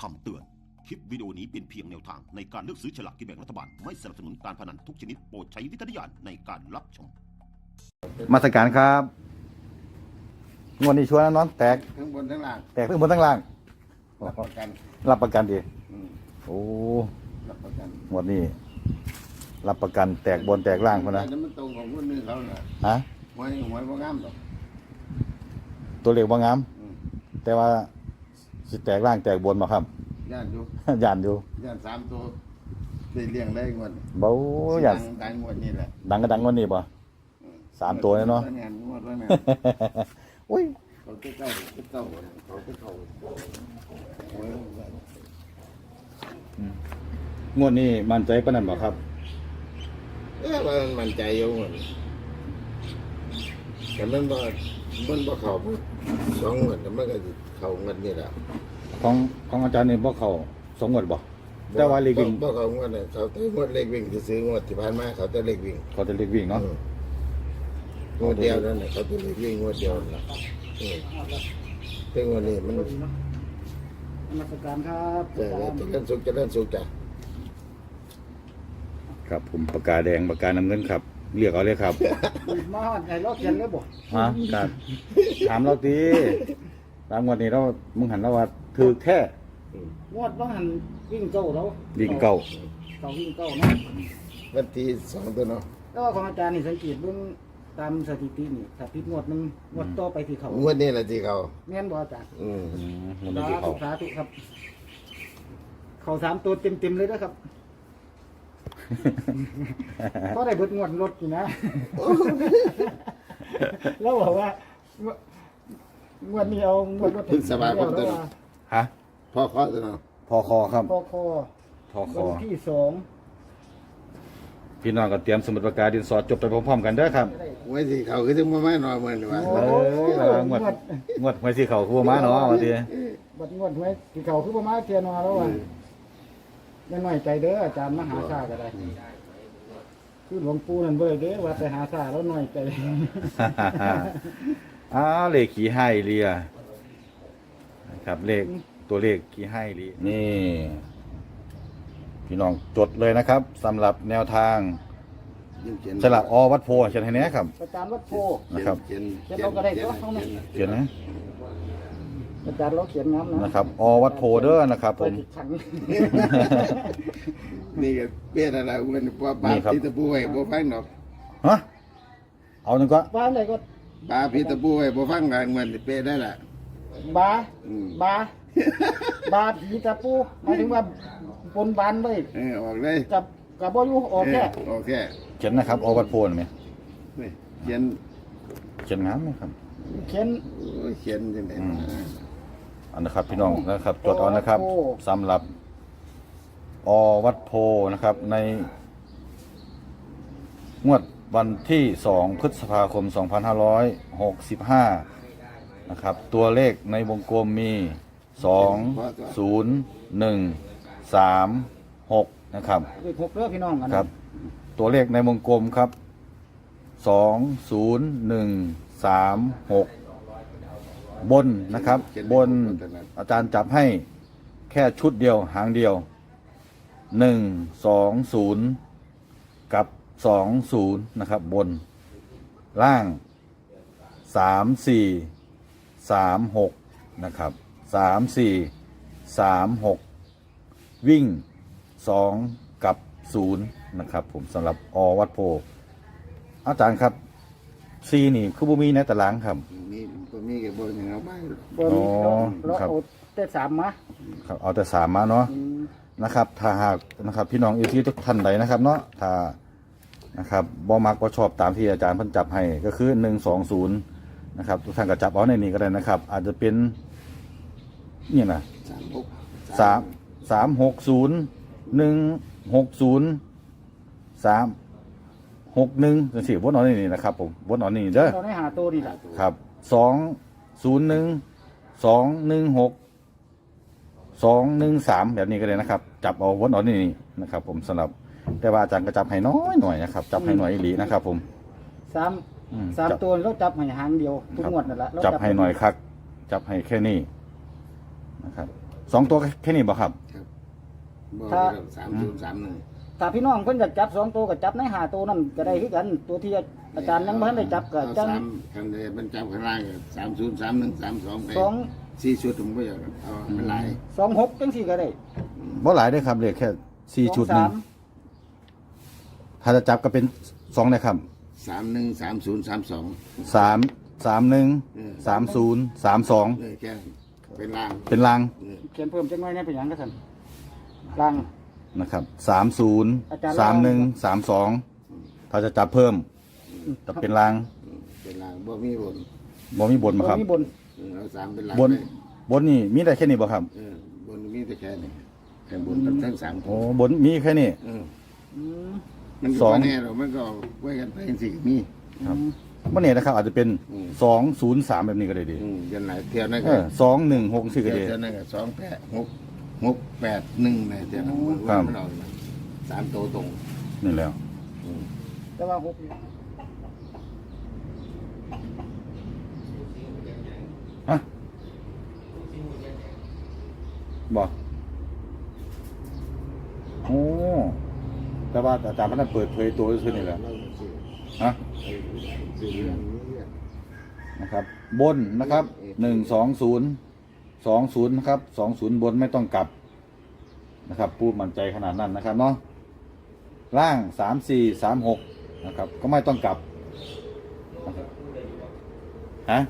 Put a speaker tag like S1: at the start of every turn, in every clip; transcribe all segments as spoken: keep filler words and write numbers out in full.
S1: คำเตือน คลิปวิดีโอนี้เป็นเพียงแนวทางในการเลือกซื้อฉลากกินแบ่งรัฐบาล ไม่สนับสนุนการพนันทุกชนิดโปรดใช้วิจารณญาณในการรับชม
S2: มาสการครับงวดนี้ชัวร์นะน้องแตก
S3: ทั้งบนทั้งล่าง
S2: แตกทั้งบนทั้งล่าง
S3: รับประกัน
S2: รับประกันดี
S3: อืม
S2: โอ้
S3: รับประกัน
S2: งวดนี้รับประกันแตกบนแตกล่างคนนะ
S3: แต่มันตรงของคนนึงเขาน่ะ
S2: ฮะ
S3: หวยหวยบ่งามดอก
S2: ตัวเลขว่างาม
S3: อืม
S2: แต่ว่าสิแตกล่างแตกบนมาครับ
S3: ย่านอยู่
S2: ย่านอยู่
S3: ย่านสามตัวได้เลี้ยงได้งวด
S2: เบ้าย่าน
S3: ดังดังงวดนี่แหละ
S2: ดังก็ดังงวดนี้ป่ะ
S3: อืม
S2: สามตัวเนี่ยเนาะ
S3: งวดงวดว่าไง
S2: อุ้ย
S3: เขาเจ้าเจ้าเขาเจ้าหวย
S2: งวดนี้มั่นใจปานนั้นบ่ครับ
S3: เอ๊ะมันมันใจอยู่งวดแต่มันบ่มันบ่เข้าสองงวดแต่มันก็สิเข้างวดนี่แหละ
S2: ของของอาจารย์นี่บ่เข้าสองงวดบ่แต่ว่าเลขวิ่ง
S3: บ่เขางวดน่ะเขาแต่งวดเลขวิ่งที่ซื้องวดที่ผ่านมาเขาแต่เลขวิ่ง
S2: เขาจะเลขวิ่งเนาะ
S3: อืมงวดเดียวนั่นน่ะเขาแต่เลขวิ่งงวดเดียวนั่นล่ะอืมแต่งวดนี้มัน
S4: นมัสการครับ
S3: จะจะเล่นสุขจะเล่นสุขจ้ะ
S2: ครับผมปากกาแดงปากกาน้ำเงินครับเรียกเอาเลยครับ
S4: มาหอดไหนเราเขียนเลยบ่
S2: ฮะการถามเราตีตามวันนี้เรามึงหันเราว่าถือแท้
S4: งวดต้องหันวิ่งเก้าเรา
S2: วิ่งเก่า
S4: เก้าวิ่งเก้าเนาะ
S3: วันที่สองตัวเนาะ
S4: แล้วก็ของอาจารย์นี่สังเกตเบิ่งตามสถิตินี่ถ้าผิดงวดหนึงงวดต่อไปที่เขา
S3: งวดนี้แหละที่เขา
S4: แม่นบ่อาจารย์
S3: อืม
S2: อืมมัน
S4: สา
S2: ไม่ได้
S4: ธุ
S2: เขา
S4: สาธุครับ เขาสามตัวเต็มๆเลยนะครับก็ได้เบิดงวดรถอยู่นะ แล้วบอกว่างวดนี้เอางวดรถ
S3: พึ่งสบายพร้อมตัวเนาะ
S2: ฮะ
S3: พ่อเคาะตัวเนาะ
S2: พอคอครับ
S4: พอคอ
S2: พอคอ
S4: วันที่สอง
S2: พี่น้องก็เตรียมสมุดปากกาดินสอจบไปพร้อมๆกันเด้อครับ
S3: ไว้ที่เขาคือจะมาไม่นอนเหมือนว่า
S2: เอ้ยระวังงวดงวดหวยสีเขาคู่มาเนาะวันนี้
S4: บัดงวดไว้ที่เขาคือประมาณเทียนอแล้วอ่ะยังหน่อยใจเด้ออาจารย์มหาชาก็ได้คือหลวงปู่นั่นเบ้อเด้อว่าไปหาชาแล้วหน่อยใจ
S2: อ้าวเลขขี่ให้เรียนะครับเลขตัวเลขขี่ให้เรียนี่ พี่น้องจดเลยนะครับสำหรับแนวทางสลับอวัดโพเขียนให้แน่ครับ
S4: อาจารย์วัดโพ
S2: นะครับ
S3: เขียน
S4: เขียนเราก็ได้ตัวเขาเนี่ย
S2: เขียนนะ
S4: อาจารย์เราเขียนงามนะ
S2: นะครับอวัดโพเด้อนะครับผม
S4: ขัง
S3: นี่ก็เปี้ยอะไรเงินป้าป้าพี่ตะปูไว้บ่ฟังดอก
S2: ฮะเอาหนึ่งก็
S4: บ้านไหนก็
S3: ป้าพี่ตะปูไว้บ่ฟังกันเงินเปี้ยได้ล่ะ
S4: บา
S3: อืม
S4: บาบาผีตะปูหมายถึงว่าบนบานไว้
S3: เออออกเลย
S4: กับกับบ่อยู่ออกแค่
S3: เออโอเค
S2: เขียนนะครับอวัดโพนไหม
S3: นี่เขียน
S2: เขียนงามไหมครับ
S4: เขียน
S3: โอ้ยเขียนจังได๋
S2: อันนะครับพี่น้องนะครับจดเอานะครับสำหรับอวัดโพนะครับในงวดวันที่สองพฤษภาคมสองพันห้าร้อยหกสิบห้านะครับตัวเลขในวงกลมมีสองศูนย์หนึ่งสามหกนะครับ
S4: เลขหกเด้อพี่น้องกัน
S2: ครับ ตัวเลขในวงกลมครับสองศูนย์หนึ่งสามหกบนนะครับ บนอาจารย์จับให้แค่ชุดเดียวหางเดียวหนึ่งสองศูนย์กับสองศูนย์นะครับ บนล่างสามสี่สามหกนะครับสามสี่สามหกวิ่งสองกับศูนย์นะครับ ผมสำหรับอวัดโพอาจารย์ครับซีนี่คือบุมีในตารางครับ
S3: นี่ตัวนี้ก็บ่ยังเอาไป
S4: บน
S2: อ๋อ
S4: เรา
S2: ครับ
S4: เอาแต่สามมา
S2: ครับเอาแต่สามมาเนาะ
S4: อืม
S2: นะครับถ้าหากนะครับพี่น้องอยู่ที่ทุกท่านใดนะครับเนาะถ้านะครับบ่มักบ่ชอบตามที่อาจารย์เพิ่นจับให้ก็คือหนึ่งสองศูนย์นะครับทุกท่านก็จับเอาในนี้ก็ได้นะครับ อาจจะเป็นนี่นะ
S3: สามหก
S2: สามสามหกศูนย์หนึ่งหกศูนย์สามหกหนึ่งจังซี่วนเอาในนี้นะครับผมวนเอาในนี้เด้อ
S4: เราได้หาตัวนี่แหละ
S2: ครับสองศูนย์หนึ่งสองหนึ่งหกสองหนึ่งสามแบบนี้ก็เลยนะครับ จับเอาวนเอานี่นะครับ ผมสำหรับแต่ว่าอาจารย์ก็จับให้น้อยหน่อยนะครับ จับให้หน่อยอีหลีนะครับ ผม
S4: สาม
S2: อืม
S4: สาม
S2: จับ
S4: ตัวเราจับให้หางเดียวทุกงวดนั่นแหละเรา
S2: จับให้หน่อยครับ จับให้แค่นี้นะครับสองตัวแค่นี้บ่ครับ
S3: ครับบ่
S4: ถ้า
S3: สามศูนย์สามหนึ่ง
S4: ถ้าพี่น้องเพิ่นอยากจับสองตัวก็จับในหาตัวนั่นก็ได้คือกัน ตัวที่อาจารย์ยังบ่ทันได้จับก็
S3: เอา
S4: จัง
S3: สามคำเดียวมันจำข้างล่างสามศูนย์สามหนึ่งสามสองไป
S4: สอง
S3: สี่ชุดผมก็อยากเอามันหลาย
S4: สองหกจังสี่ก็ได้
S2: บ่หลายได้อครับเลขแค่สี่ชุด
S4: สอง
S2: หนึ
S4: สาง ม
S2: ถ้าจะจับก็เป็นสองนะครับ
S3: สามหนึ่งสามศูนย์สามสอง
S2: สามสามหนึ่ง
S3: เออ
S2: สามศูนย์สามสอง
S3: เลยแค่เป็นล่าง
S2: เป็นลาง
S3: เออ
S4: เขียนเพิ่มจังน้อยแหน่เป็นหยังก็ซั่นลัง
S2: นะครับสามศูนย์
S4: อาจารย์
S2: สามหนึ่งสามสองถ้าจะจับเพิ่มจะเป็นลาง
S3: เป็นล่างบ่มีบน
S2: บ่มีบนมาครับ
S4: บ่มีบน
S3: เออเอาสามเป็นล่าง
S2: บน
S3: เลย
S2: บนนี่มีได้แค่นี้บ่ครับ
S3: เออบนมีแต่แค่นี้แค่บนทั้งสาม
S2: โอ้บนมีแค่นี้
S3: เออ
S4: อืม
S3: มัน
S2: ส
S3: ก็
S2: อง
S3: บ่แน่หรอกมันก็ไว้กันไปสี่มี
S2: ครับบ่เนี่ยนะครับ อาจจะเป็น
S3: อืม
S2: สองศูนย์สามแบบนี้ก็ได้ดี
S3: อืมยันไหนเที่ยวนั่น
S2: เอ
S3: ก็
S2: อสองหนึ่งหกสี่ก็
S3: เที่ยว
S2: ดี
S3: เที่ยวนั่นก็สองแปดหกหกแปดหนึ่งเนี่ยเที่ยวนั้นมัน
S2: ครับ
S3: มันเอาสามตัวตรง
S2: นี่แล้ว
S3: อืม
S4: แต่ว่าหก
S2: ฮะบอกโอ้แต่ว่าอาจารย์พันธ์เปิดเผยตัวซื่อๆนี่แหละฮะนะครับ บนนะครับหนึ่งสองศูนย์สองศูนย์นะครับสองศูนย์บนไม่ต้องกลับนะครับพูดมั่นใจขนาดนั้นนะครับเนาะล่างสามสี่สามหกนะครับ ก็ไม่ต้องกลับนะครับฮะ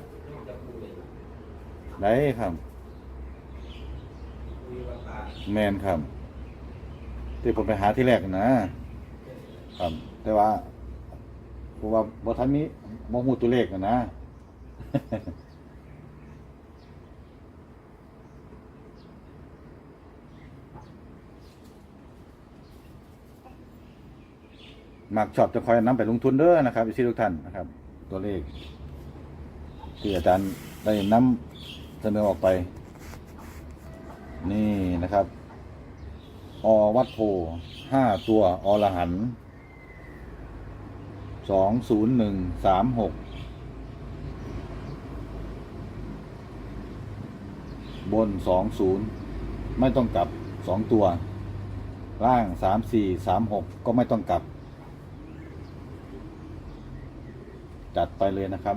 S2: ได้ครับ แมนครับที่ผมไปหาที่แรกนะครับ แต่ว่าผมว่าบทันนี้มองหูตัวเลขนะนะ มักชอบจะคอยนำไปลงทุนเด้อนะครับพี่ทุกท่านนะครับ ตัวเลขที่อาจารย์ได้นำเสนอออกไป นี่นะครับ อวัดโพห้าตัวอรหันต์สองศูนย์หนึ่งสามหกบนสองศูนย์ไม่ต้องกลับสองตัว ล่างสามสี่สามหกก็ไม่ต้องกลับ จัดไปเลยนะครับ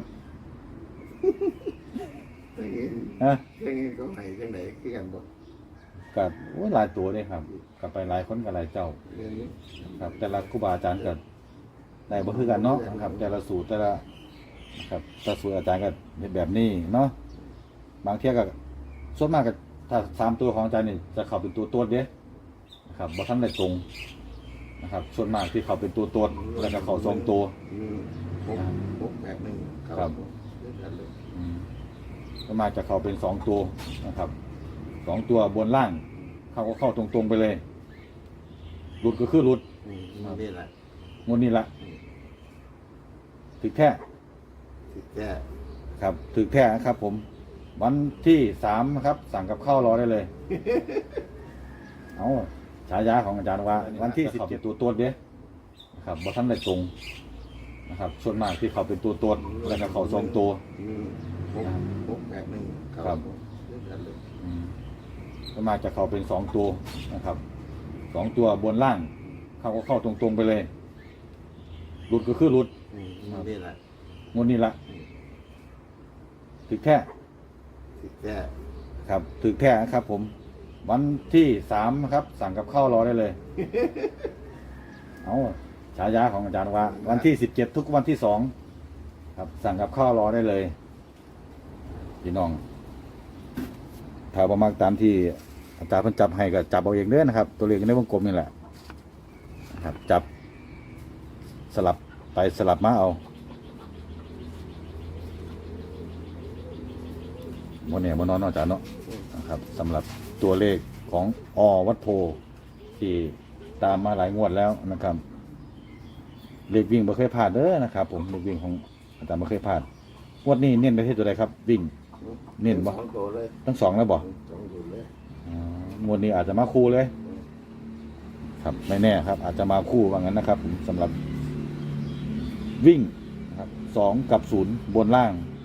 S3: อย่างนี้
S2: ฮะ
S3: อย่างนี้ก็ให้จังไหนคือกันบ่
S2: กับโอ้ยหลายตัวเลยครับกลับไปหลายคนกับหลายเจ้า
S3: เรื่องนี้
S2: ครับ แต่ละครูบาอาจารย์ก็ได้บ่คือกันเนาะนะครับ แต่ละสูตรแต่ละนะครับแต่สูตรอาจารย์ก็เฮ็ดแบบนี้เนาะบางเที่ยก็ส่วนมากก็ถ้าสามตัวของอาจารย์นี่จะเข้าเป็นตัวตัวเด้นะครับบ่ทันได้ตรงนะครับส่วนมากที่เข้าเป็นตัวตัวแล้วก็เข้าสองตัว
S3: อืมหกหกแปดหนึ่งเข้า
S2: ครับ
S3: เรื่องกันเลย
S2: อืมส่วนมากจะเข้าเป็นสองตัวนะครับสองตัวบนล่างเข้าก็เข้าตรงๆไปเลยหลุดก็คือหลุด
S3: อืมนี่แหละ
S2: งวดนี้ละถึกแท้
S3: ที่แก้
S2: ครับถึกแท้ครับ ผม วันที่สามนะครับ สั่งกับข้าวรอได้เลย เอาฉายาของอาจารย์ว่า วันที่สิบเจ็ดตัวตัวเด้นะครับบอท่านได้ตรงนะครับส่วนมากที่เขาเป็นตัวตัวแล้วก็เขาทรงตัว
S3: อืมหกหกแปดหนึ่งเข้า
S2: ครับ
S3: เรื่องกันเลย
S2: อืมส่วนมากจะเขาเป็นสองตัวนะครับสองตัวบนล่าง เขาก็เข้าตรงๆไปเลยหลุดก็คือหลุด
S3: อืมนี่แหละ
S2: งวดนี้ละถึกแท้
S3: ที่แก้
S2: ครับถึกแท้ครับ ผม วันที่สามนะครับ สั่งกับข้าวรอได้เลย เอาฉายาของอาจารย์ว่า วันที่สิบเจ็ดทุกวันที่สองครับ สั่งกับข้าวรอได้เลยพี่น้องถ้าประมาณตามที่อาจารย์เพิ่นจับให้ก็จับเอาเองเด้อนะครับ ตัวเลขในวงกลมนี่แหละนะครับ จับ สลับไปสลับมาเอาโมเนี่ยโมนอนเนาะอาจารย์เนาะนะครับสำหรับตัวเลขของอวัดโพที่ตามมาหลายงวดแล้วนะครับเลขวิ่งไม่เคยพลาดเด้อนะครับ ผมเลขวิ่งของอาจารย์ไม่เคยพลาดงวดนี้เน้นไปที่ตัวใดครับ วิ่ง เน้นบ่
S3: สองตัวเลย
S2: ทั้งสองแล้วบ่
S3: สองตัวเลย
S2: อ๋องวดนี้อาจจะมาคู่เลย ครับไม่แน่ครับ อาจจะมาคู่ว่างั้นนะครับผมสำหรับวิ่งนะครับสองกับศูนย์บนล่าง